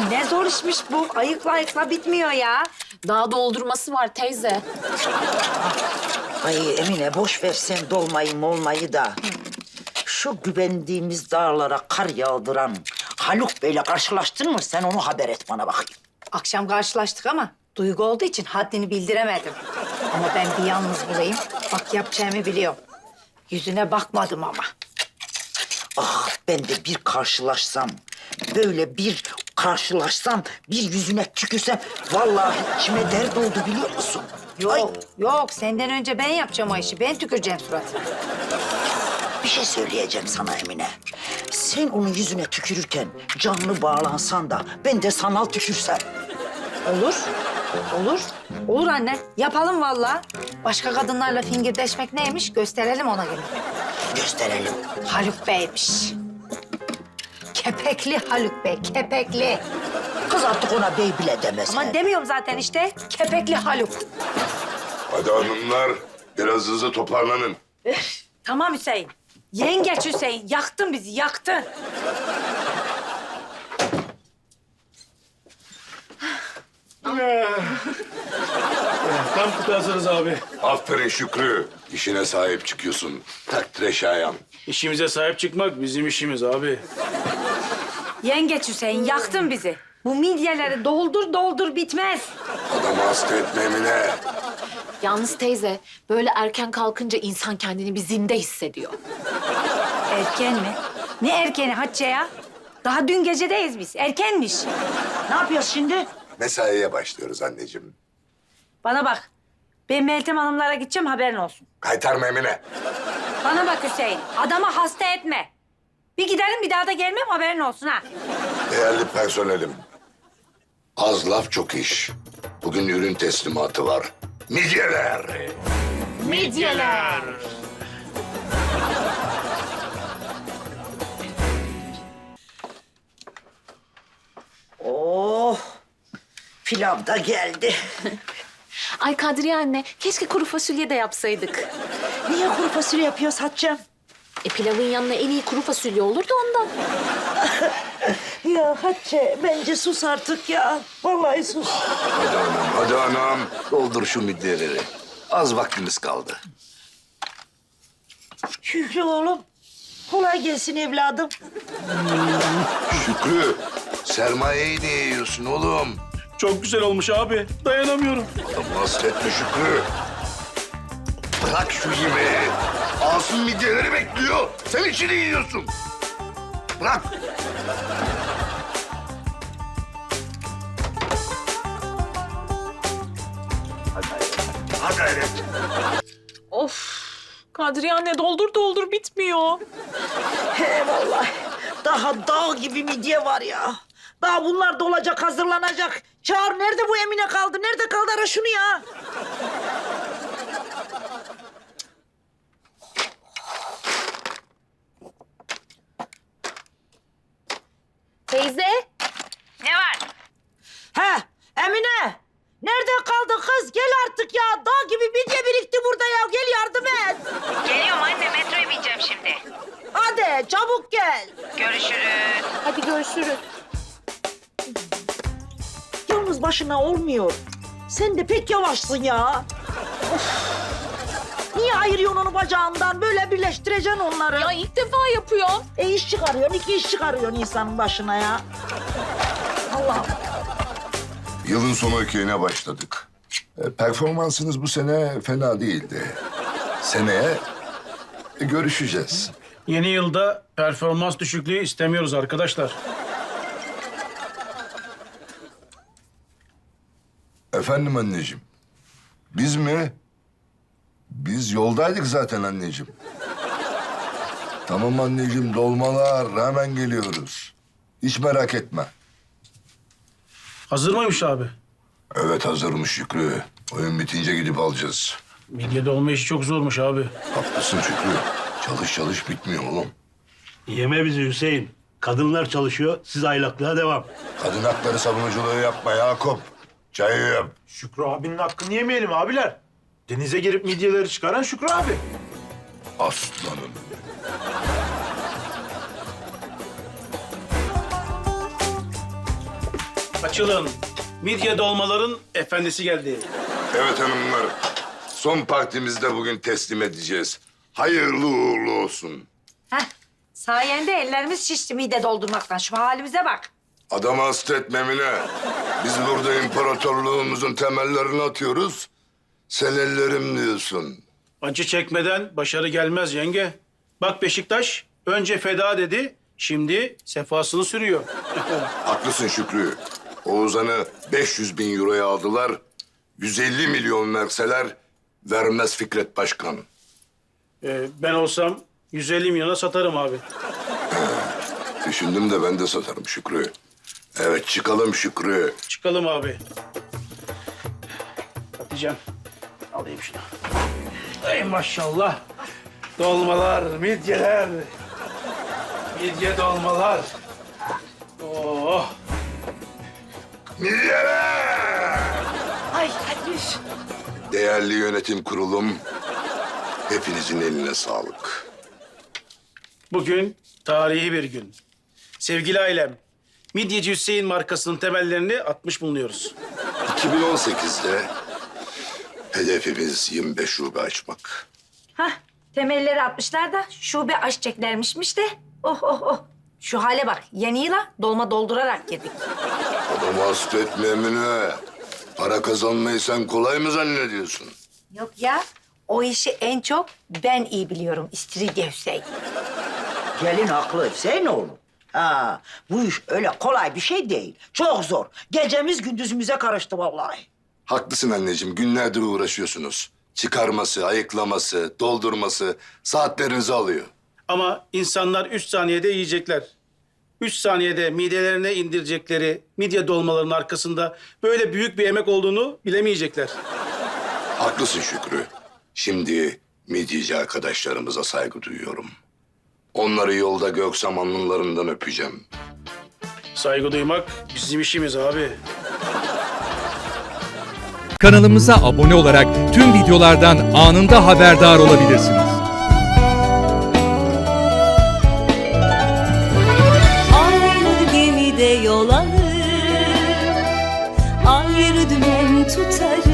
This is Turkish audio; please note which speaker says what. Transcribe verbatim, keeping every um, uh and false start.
Speaker 1: Ne zor işmiş bu. Ayıkla ayıkla bitmiyor ya.
Speaker 2: Daha doldurması var teyze.
Speaker 3: Ay Emine boş ver sen dolmayı molmayı da. Şu güvendiğimiz dağlara kar yağdıran Haluk Bey'le karşılaştın mı? Sen onu haber et bana bakayım.
Speaker 1: Akşam karşılaştık ama duygu olduğu için haddini bildiremedim. Ama ben bir yalnız bulayım. Bak yapacağımı biliyorum. Yüzüne bakmadım ama.
Speaker 3: Ah ben de bir karşılaşsam, böyle bir karşılaşsam, bir yüzüne tükürsem... ...vallahi içime dert oldu biliyor musun?
Speaker 1: Yok,
Speaker 3: Ay,
Speaker 1: yok. Senden önce ben yapacağım o işi. Ben tüküreceğim suratına.
Speaker 3: bir şey söyleyeceğim sana Emine. Sen onun yüzüne tükürürken canlı bağlansan da ben de sanal tükürsem.
Speaker 1: Olur, olur. Olur anne. Yapalım vallahi. Başka kadınlarla fingirdeşmek neymiş gösterelim ona göre.
Speaker 3: Gösterelim.
Speaker 1: Haluk Bey'miş. Kepekli Haluk Bey, kepekli.
Speaker 3: Kız artık ona bey bile demez.
Speaker 1: Ama demiyorum zaten işte. Kepekli Haluk.
Speaker 4: Hadi hanımlar, biraz hızlı toparlanın.
Speaker 1: Tamam Hüseyin. Yengeç Hüseyin. Yaktın bizi, yaktın.
Speaker 5: Tam kutu hazırız abi.
Speaker 4: Aferin Şükrü, işine sahip çıkıyorsun. Takdire şayan.
Speaker 5: İşimize sahip çıkmak bizim işimiz abi.
Speaker 1: Yengeç Hüseyin, yaktın bizi. Bu midyeleri doldur doldur bitmez.
Speaker 4: Adamı hasta etme Emine.
Speaker 2: Yalnız teyze, böyle erken kalkınca insan kendini bir zinde hissediyor.
Speaker 1: Erken mi? Ne erkeni Hatice ya? Daha dün gecedeyiz biz. Erkenmiş.
Speaker 3: Ne yapıyoruz şimdi?
Speaker 4: Mesaiye başlıyoruz anneciğim.
Speaker 1: Bana bak. Ben Meltem Hanımlara gideceğim, haberin olsun.
Speaker 4: Kaytarma Emine.
Speaker 1: Bana bak Hüseyin, adamı hasta etme. Bir gidelim, bir daha da gelmem, haberin olsun ha.
Speaker 4: Değerli personelim. Az laf çok iş. Bugün ürün teslimatı var. Midyeler.
Speaker 2: Midyeler.
Speaker 3: Oh, pilav da geldi.
Speaker 2: Ay Kadriye anne, keşke kuru fasulye de yapsaydık.
Speaker 3: Niye kuru fasulye yapıyoruz Hatice'm?
Speaker 2: E pilavın yanına en iyi kuru fasulye olurdu ondan.
Speaker 3: Ya Hatice bence sus artık ya. Vallahi sus.
Speaker 4: Hadi anam, hadi anam. Doldur şu midyeleri. Az vaktimiz kaldı.
Speaker 3: Şükrü oğlum. Kolay gelsin evladım.
Speaker 4: Şükrü, sermayeyi niye yiyorsun oğlum?
Speaker 5: Çok güzel olmuş abi. Dayanamıyorum.
Speaker 4: Adamı hasta etme Şükrü. Bırak şu yemeği. Asım midyeleri bekliyor. Sen içini yiyorsun. Bırak. Hadi hayret.
Speaker 2: Of, Kadriye anne doldur doldur bitmiyor.
Speaker 3: He vallahi. Daha dağ gibi midye var ya. Daha bunlar dolacak, hazırlanacak. Çağır, nerede bu Emine kaldı? Nerede kaldı? Ara şunu ya.
Speaker 2: Teyze.
Speaker 1: Ne var?
Speaker 3: He, Emine. Nerede kaldı kız? Gel artık ya. Dağ gibi midye birikti burada ya. Gel yardım et.
Speaker 1: Geliyorum anne, metroya bineceğim şimdi.
Speaker 3: Hadi çabuk gel.
Speaker 1: Görüşürüz.
Speaker 2: Hadi görüşürüz.
Speaker 3: Yalnız başına olmuyor. Sen de pek yavaşsın ya. Of. Niye ayırıyorsun onu bacağından? Böyle birleştireceksin onları.
Speaker 2: Ya ilk defa yapıyorum.
Speaker 3: E iş çıkarıyorsun, iki iş çıkarıyorsun insanın başına ya. Allah'ım.
Speaker 4: Yılın sonu ökeyine başladık. E, performansınız bu sene fena değildi. Seneye e, görüşeceğiz.
Speaker 5: Yeni yılda performans düşüklüğü istemiyoruz arkadaşlar.
Speaker 4: Efendim anneciğim. Biz mi? Biz yoldaydık zaten anneciğim. Tamam anneciğim, dolmalar, hemen geliyoruz. Hiç merak etme.
Speaker 5: Hazır mıymış abi?
Speaker 4: Evet hazırmış Şükrü. Oyun bitince gidip alacağız.
Speaker 5: Midyede olma işi çok zormuş abi.
Speaker 4: Haklısın Şükrü. Çalış çalış bitmiyor oğlum.
Speaker 6: Yeme bizi Hüseyin. Kadınlar çalışıyor, siz aylaklığa devam.
Speaker 4: Kadın hakları savunuculuğu yapma Yakup. Çayı yap.
Speaker 7: Şükrü abinin hakkını yemeyelim abiler. Denize girip midyeleri çıkaran Şükrü abi.
Speaker 4: Aslanım.
Speaker 5: Açılın. Midye dolmaların efendisi geldi.
Speaker 4: Evet hanımlar. Son partimizi de bugün teslim edeceğiz. Hayırlı uğurlu olsun.
Speaker 1: Heh, sayende ellerimiz şişti mide doldurmaktan. Şu halimize bak.
Speaker 4: Adamı hasta etme Emine. Biz burada imparatorluğumuzun temellerini atıyoruz. Sen ellerim diyorsun.
Speaker 5: Acı çekmeden başarı gelmez yenge. Bak Beşiktaş önce feda dedi, şimdi sefasını sürüyor.
Speaker 4: Haklısın Şükrü. Oğuzhan'ı beş yüz bin euroya aldılar. yüz elli milyon verseler vermez Fikret Başkan.
Speaker 5: Ee, ben olsam yüz elli milyona satarım abi.
Speaker 4: Düşündüm de ben de satarım Şükrü. Evet çıkalım Şükrü.
Speaker 5: Çıkalım abi. Hatice'm alayım şunu. Ay maşallah. Dolmalar, midyeler. Midye dolmalar. Oh.
Speaker 4: Midyeler!
Speaker 1: Ay hadi üf.
Speaker 4: Değerli yönetim kurulum, hepinizin eline sağlık.
Speaker 5: Bugün tarihi bir gün. Sevgili ailem, Midyeci Hüseyin markasının temellerini atmış bulunuyoruz.
Speaker 4: iki bin on sekizde hedefimiz yirmi beş şube açmak.
Speaker 1: Hah, temelleri atmışlar da şube açacaklarmışmış de. Oh oh oh. Şu hale bak. Yeni yıla dolma doldurarak girdik.
Speaker 4: Adamı hasta etme Emine. Para kazanmayı sen kolay mı zannediyorsun?
Speaker 1: Yok ya. O işi en çok ben iyi biliyorum. İstiridye Hüseyin.
Speaker 3: Gelin haklı Hüseyinoğlu. Ha, bu iş öyle kolay bir şey değil. Çok zor. Gecemiz gündüzümüze karıştı vallahi.
Speaker 4: Haklısın anneciğim, günlerdir uğraşıyorsunuz. Çıkarması, ayıklaması, doldurması saatlerinizi alıyor.
Speaker 5: Ama insanlar üç saniyede yiyecekler. Üç saniyede midelerine indirecekleri midye dolmalarının arkasında böyle büyük bir emek olduğunu bilemeyecekler.
Speaker 4: Haklısın Şükrü. Şimdi midyeci arkadaşlarımıza saygı duyuyorum. Onları yolda göksem alnlarından öpeceğim.
Speaker 5: Saygı duymak bizim işimiz abi.
Speaker 8: Kanalımıza abone olarak tüm videolardan anında haberdar olabilirsiniz.
Speaker 9: Aynı gemide yol alır, ayrı dümen tutarız.